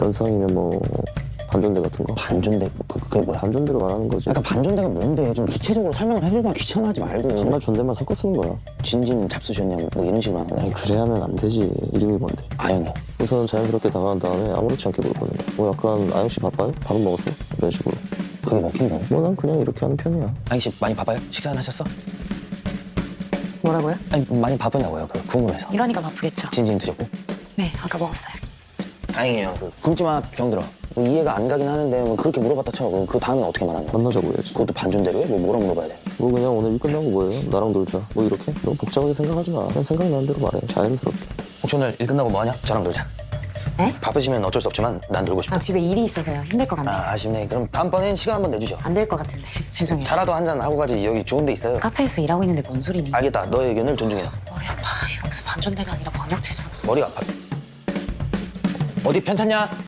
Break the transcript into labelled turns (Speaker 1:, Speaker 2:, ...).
Speaker 1: 연상이면 뭐 반존대 같은 거?
Speaker 2: 반존대? 그게 뭐야?
Speaker 1: 반존대로 말하는 거지.
Speaker 2: 그러니까 반존대가 뭔데? 좀 구체적으로 설명을 해주면 귀찮아하지 말고.
Speaker 1: 정말 존댓말 섞어 쓰는 거야.
Speaker 2: 진지는 잡수셨냐 뭐 이런 식으로 하는 거야.
Speaker 1: 그래 하면 안 되지. 이름이 뭔데?
Speaker 2: 아영이.
Speaker 1: 우선 자연스럽게 다가간 다음에 아무렇지 않게 물어보는 거야. 뭐 약간 아영 씨 바빠요? 밥은 먹었어? 이런 식으로.
Speaker 2: 그게 먹힌다고?
Speaker 1: 뭐 난 그냥 이렇게 하는 편이야.
Speaker 2: 아영 씨 많이 바빠요? 식사는 하셨어?
Speaker 3: 뭐라고요?
Speaker 2: 아니 많이 바쁘냐고요? 그 궁금해서.
Speaker 3: 이러니까 바쁘겠죠.
Speaker 2: 진진 드셨고?
Speaker 3: 네, 아까 먹었어요.
Speaker 2: 다행이에요. 그 굶지마 병들어. 뭐 이해가 안 가긴 하는데 뭐 그렇게 물어봤다 쳐. 그럼 그 다음에 어떻게 말하는 거야?
Speaker 1: 만나자고 해야지.
Speaker 2: 그것도 반존대로 해? 뭐 뭐라고 물어봐야 돼?
Speaker 1: 뭐 그냥 오늘 일 끝나고 뭐해요? 나랑 놀자. 뭐 이렇게? 너무 복잡하게 생각하지 마. 그냥 생각나는 대로 말해. 자연스럽게.
Speaker 2: 혹시 오늘 일 끝나고 뭐하냐? 저랑 놀자.
Speaker 3: 에?
Speaker 2: 바쁘시면 어쩔 수 없지만 난 놀고 싶다.
Speaker 3: 아, 집에 일이 있어서요. 힘들 것 같네요.
Speaker 2: 아쉽네. 그럼 다음번엔 시간 한번 내주죠.
Speaker 3: 안 될 것 같은데. 죄송해요.
Speaker 2: 차라도 한잔 하고 가지. 여기 좋은 데 있어요.
Speaker 3: 카페에서 일하고 있는데 뭔 소리니?
Speaker 2: 알겠다. 너의 의견을 존중해.
Speaker 3: 머리 아파. 이거 무슨 반전대가 아니라 번역체잖아.
Speaker 2: 머리가 아파. 어디 편찮냐?